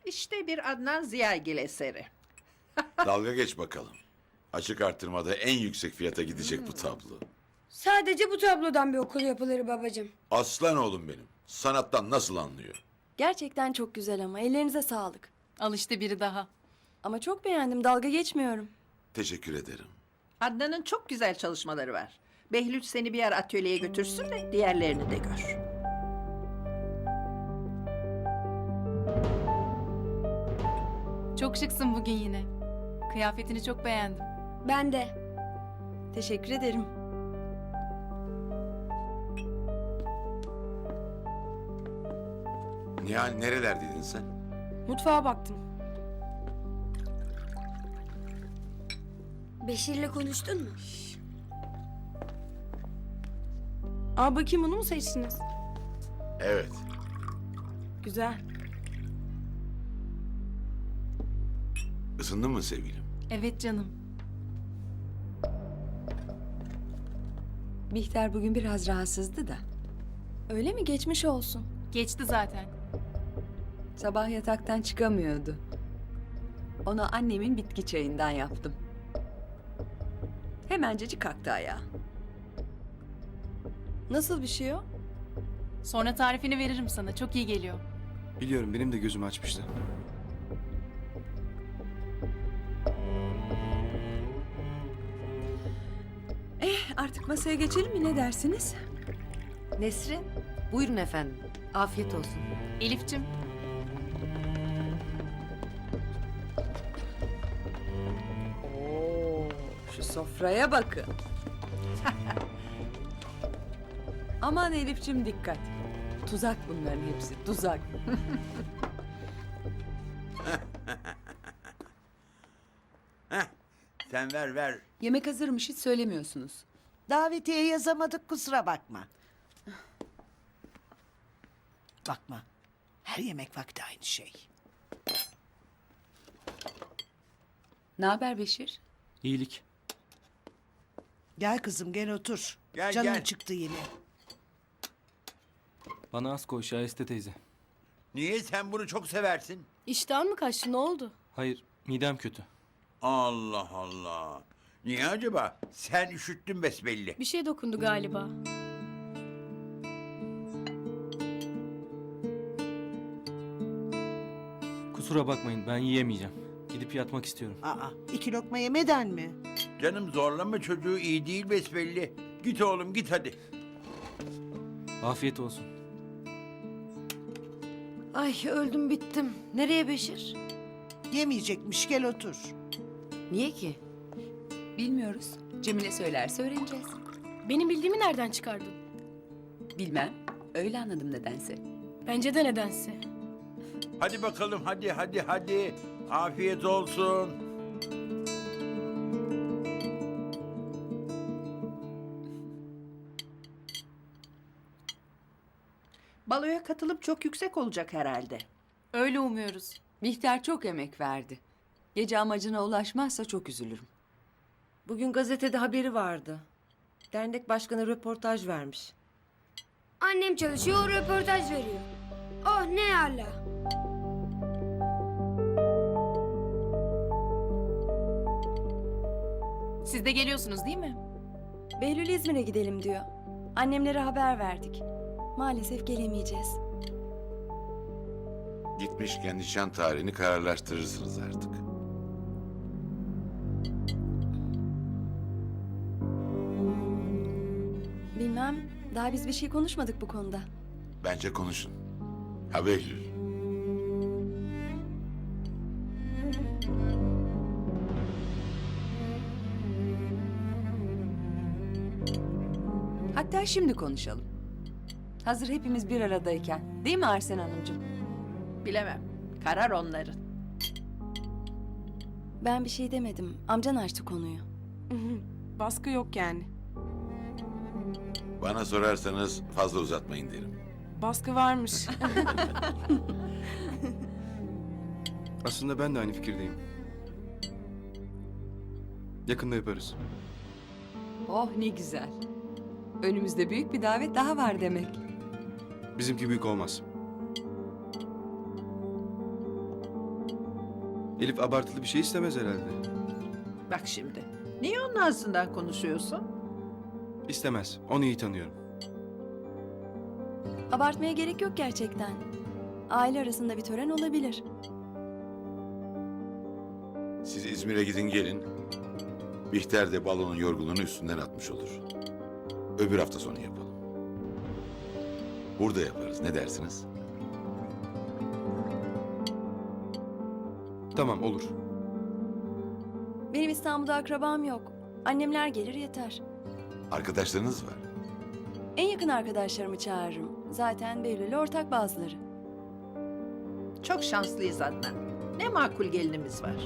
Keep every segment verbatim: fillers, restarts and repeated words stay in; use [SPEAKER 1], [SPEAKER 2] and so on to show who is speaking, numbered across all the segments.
[SPEAKER 1] İşte bir Adnan Ziyagil eseri.
[SPEAKER 2] Dalga geç bakalım. Açık artırmada en yüksek fiyata gidecek bu tablo.
[SPEAKER 3] Sadece bu tablodan bir okul yapılır babacığım.
[SPEAKER 2] Aslan oğlum benim. Sanattan nasıl anlıyor?
[SPEAKER 4] Gerçekten çok güzel ama ellerinize sağlık.
[SPEAKER 5] Al işte biri daha.
[SPEAKER 4] Ama çok beğendim, dalga geçmiyorum.
[SPEAKER 2] Teşekkür ederim.
[SPEAKER 1] Adnan'ın çok güzel çalışmaları var. Behlül seni bir yer atölyeye götürsün de diğerlerini de gör.
[SPEAKER 5] Çok şıksın bugün yine. Kıyafetini çok beğendim.
[SPEAKER 3] Ben de.
[SPEAKER 4] Teşekkür ederim.
[SPEAKER 2] Nihal nerelerdeydin sen?
[SPEAKER 3] Mutfağa baktım. Beşir'le konuştun mu?
[SPEAKER 6] Aa bakayım onu mu seçtiniz?
[SPEAKER 2] Evet.
[SPEAKER 6] Güzel.
[SPEAKER 2] Isındın mı sevgilim?
[SPEAKER 5] Evet canım.
[SPEAKER 4] Bihter bugün biraz rahatsızdı da. Öyle mi? Geçmiş olsun.
[SPEAKER 5] Geçti zaten.
[SPEAKER 4] Sabah yataktan çıkamıyordu. Ona annemin bitki çayından yaptım. Hemencecik kalktı ayağa. Nasıl bir şey o?
[SPEAKER 5] Sonra tarifini veririm sana. Çok iyi geliyor.
[SPEAKER 7] Biliyorum, benim de gözümü açmıştı.
[SPEAKER 4] Eh, artık masaya geçelim mi, ne dersiniz?
[SPEAKER 8] Nesrin, buyurun efendim. Afiyet olsun.
[SPEAKER 5] Elif'cim,
[SPEAKER 4] Oo, şu sofraya bakın. Aman Elif'cim dikkat. Tuzak bunların hepsi, tuzak.
[SPEAKER 9] Sen ver ver.
[SPEAKER 10] Yemek hazırmış, hiç söylemiyorsunuz.
[SPEAKER 11] Davetiye yazamadık, kusura bakma. Bakma. Her yemek vakti aynı şey.
[SPEAKER 10] Ne haber Beşir?
[SPEAKER 7] İyilik.
[SPEAKER 11] Gel kızım, gel otur.
[SPEAKER 9] Gel,
[SPEAKER 11] Canın
[SPEAKER 9] gel.
[SPEAKER 11] çıktı yine.
[SPEAKER 7] Bana az koy Şahiste teyze.
[SPEAKER 9] Niye sen bunu çok seversin?
[SPEAKER 6] İştahın mı kaçtı, ne oldu?
[SPEAKER 7] Hayır, midem kötü.
[SPEAKER 9] Allah Allah. Niye acaba? Sen üşüttün besbelli.
[SPEAKER 6] Bir şey dokundu galiba.
[SPEAKER 7] Kusura bakmayın, ben yiyemeyeceğim. Gidip yatmak istiyorum.
[SPEAKER 11] Aa, iki lokma yemeden mi?
[SPEAKER 9] Canım zorlama çocuğu, iyi değil besbelli. Git oğlum git hadi.
[SPEAKER 7] Afiyet olsun.
[SPEAKER 8] Ay öldüm bittim. Nereye Beşir?
[SPEAKER 11] Yemeyecekmiş, gel otur.
[SPEAKER 8] Niye ki?
[SPEAKER 10] Bilmiyoruz. Cemile söylerse öğreneceğiz.
[SPEAKER 6] Benim bildiğimi nereden çıkardın?
[SPEAKER 10] Bilmem. Öyle anladım nedense.
[SPEAKER 6] Bence de nedense.
[SPEAKER 9] Hadi bakalım hadi hadi hadi. Afiyet olsun.
[SPEAKER 1] Baloya katılıp çok yüksek olacak herhalde.
[SPEAKER 5] öyle umuyoruz.
[SPEAKER 10] Bihter çok emek verdi. Gece amacına ulaşmazsa çok üzülürüm.
[SPEAKER 8] Bugün gazetede haberi vardı. Dernek başkanı röportaj vermiş.
[SPEAKER 3] Annem çalışıyor, o röportaj veriyor. Oh ne ala.
[SPEAKER 5] Siz de geliyorsunuz değil mi?
[SPEAKER 4] Behlül İzmir'e gidelim diyor. Annemlere haber verdik. Maalesef gelemeyeceğiz.
[SPEAKER 2] Gitmişken nişan tarihini kararlaştırırsınız artık.
[SPEAKER 4] Bilmem, daha biz bir şey konuşmadık bu konuda.
[SPEAKER 2] Bence konuşun. Ha Behlül.
[SPEAKER 10] Hatta şimdi konuşalım. Hazır hepimiz bir aradayken. Değil mi Arsen Hanımcığım?
[SPEAKER 1] Bilemem. Karar onların.
[SPEAKER 4] Ben bir şey demedim. Amcan açtı konuyu.
[SPEAKER 6] Baskı yok yani.
[SPEAKER 2] Bana sorarsanız fazla uzatmayın derim.
[SPEAKER 6] Baskı varmış.
[SPEAKER 7] Aslında ben de aynı fikirdeyim. Yakında yaparız.
[SPEAKER 10] Oh ne güzel. Önümüzde büyük bir davet daha var demek.
[SPEAKER 7] Bizimki büyük olmaz.
[SPEAKER 12] Elif abartılı bir şey istemez herhalde.
[SPEAKER 1] Bak şimdi. Niye onun ağzından konuşuyorsun?
[SPEAKER 12] İstemez. Onu iyi tanıyorum.
[SPEAKER 4] Abartmaya gerek yok gerçekten. Aile arasında bir tören olabilir.
[SPEAKER 2] Siz İzmir'e gidin gelin. Bihter de balonun yorgunluğunu üstünden atmış olur. Öbür hafta sonu yapalım. Burada yaparız. Ne dersiniz?
[SPEAKER 12] Tamam, olur.
[SPEAKER 4] Benim İstanbul'da akrabam yok. Annemler gelir yeter.
[SPEAKER 2] Arkadaşlarınız var.
[SPEAKER 4] En yakın arkadaşlarımı çağırırım. Zaten Behlül'le ortak bazıları.
[SPEAKER 1] Çok şanslıyız Adnan. Ne makul gelinimiz var.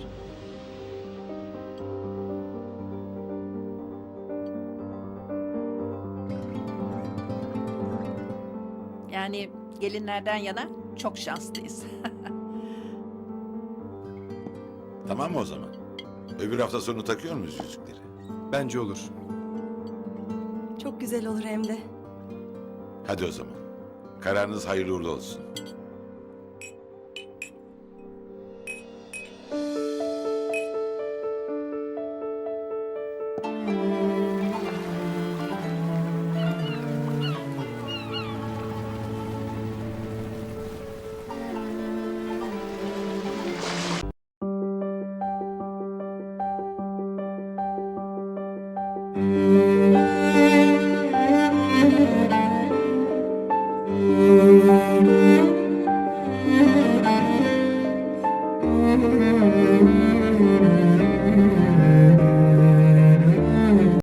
[SPEAKER 1] Yani gelinlerden yana çok şanslıyız.
[SPEAKER 2] Tamam mı o zaman? Öbür hafta sonu takıyor muyuz yüzükleri?
[SPEAKER 12] Bence olur.
[SPEAKER 4] Çok güzel olur hem de.
[SPEAKER 2] Hadi o zaman. Kararınız hayırlı uğurlu olsun.